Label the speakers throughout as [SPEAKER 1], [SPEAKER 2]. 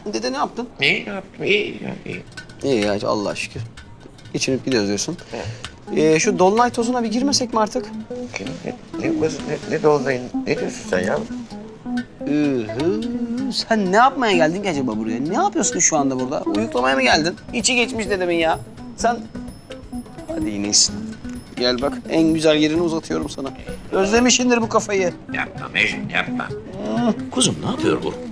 [SPEAKER 1] Dede ne yaptın?
[SPEAKER 2] İyi yaptım, iyi.
[SPEAKER 1] İyi ya Allah'a şükür. İçinip gidiyoruz diyorsun. Şu dolunay tozuna bir girmesek mi artık?
[SPEAKER 2] Ne doldayın? Ne diyorsun sen ya?
[SPEAKER 1] Sen ne yapmaya geldin ki acaba buraya? Ne yapıyorsun şu anda burada? Uyuklamaya mı geldin? İçi geçmiş dedemin ya. Sen... Hadi yine iyisin. Gel bak, en güzel yerini uzatıyorum sana. Özlemişindir bu kafayı.
[SPEAKER 2] Yapma Mecnun, yapma. Kuzum ne yapıyor bu?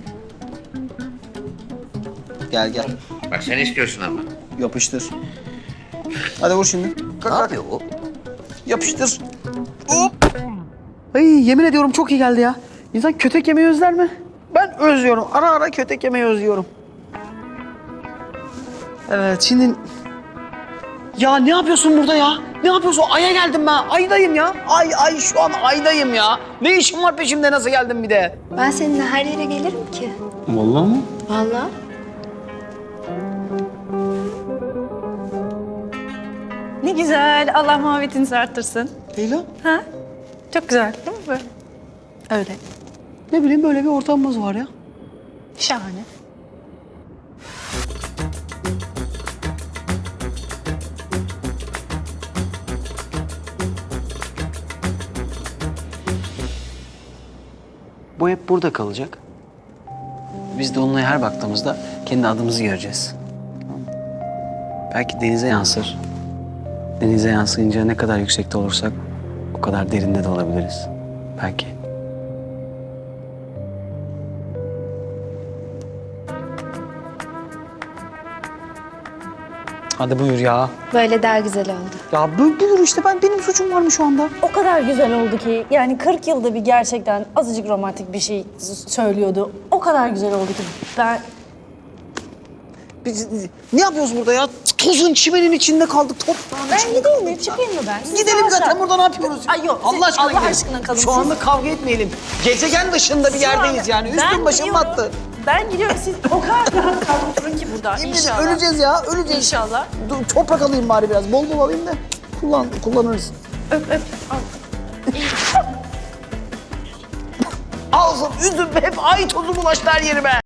[SPEAKER 1] Gel gel,
[SPEAKER 2] Bak sen istiyorsun ama.
[SPEAKER 1] yapıştır. Hadi vur şimdi.
[SPEAKER 2] Ne yapıyor bu?
[SPEAKER 1] Yapıştır. Hop. Ay yemin ediyorum çok iyi geldi ya. İnsan kötek yemeyi özler mi? Ben özlüyorum. Ara ara kötek yemeyi özlüyorum. Evet şimdi... Ya ne yapıyorsun burada ya? Ne yapıyorsun? Ay'a geldim ben. Ay'dayım ya. Ay şu an Ay'dayım ya. Ne işin var peşimde, nasıl geldin bir de?
[SPEAKER 3] Ben seninle her yere gelirim ki.
[SPEAKER 1] Vallahi mı?
[SPEAKER 3] Vallahi.
[SPEAKER 4] Ne güzel. Allah muhabbetinizi arttırsın.
[SPEAKER 1] Leyla,
[SPEAKER 4] Ha? Çok güzel değil mi böyle? Öyle.
[SPEAKER 1] ne bileyim böyle bir ortamımız var ya.
[SPEAKER 4] Şahane.
[SPEAKER 1] Bu hep burada kalacak. Biz de onunla her baktığımızda kendi adımızı göreceğiz. Belki denize yansır. Denize yansıyınca ne kadar yüksekte olursak o kadar derinde de olabiliriz. Belki. Hadi buyur ya.
[SPEAKER 3] Böyle daha güzel oldu.
[SPEAKER 1] Ya buyur işte, benim suçum var mı şu anda?
[SPEAKER 4] O kadar güzel oldu ki yani 40 yılda bir gerçekten azıcık romantik bir şey söylüyordu. O kadar güzel oldu ki ben...
[SPEAKER 1] Biz ne yapıyoruz burada ya? Tozun çimenin içinde kaldık, toprağın
[SPEAKER 4] Ben
[SPEAKER 1] içinde
[SPEAKER 4] gideyim
[SPEAKER 1] kaldık
[SPEAKER 4] mi? Çıkayım mı ben? Siz
[SPEAKER 1] Gidelim
[SPEAKER 4] rahat
[SPEAKER 1] zaten,
[SPEAKER 4] rahat.
[SPEAKER 1] burada ne yapıyoruz?
[SPEAKER 4] Ay yok,
[SPEAKER 1] Allah aşkına
[SPEAKER 4] Allah
[SPEAKER 1] gidelim.
[SPEAKER 4] aşkına kalın.
[SPEAKER 1] Şu anda kavga etmeyelim. Gezegen dışında bir yerdeyiz yani. Üstüm başım
[SPEAKER 4] gidiyorum.
[SPEAKER 1] battı.
[SPEAKER 4] Ben gidiyorum. Siz o kadar rahat kalın oturun ki burada.
[SPEAKER 1] Yemin ederim
[SPEAKER 4] İnşallah.
[SPEAKER 1] öleceğiz ya, öleceğiz.
[SPEAKER 4] İnşallah.
[SPEAKER 1] Dur, toprak alayım bari biraz, bol bol alayım da kullanırız.
[SPEAKER 4] Öp öp. Al.
[SPEAKER 1] Ağzım, yüzüm hep ay tozu bulaştı her yerime.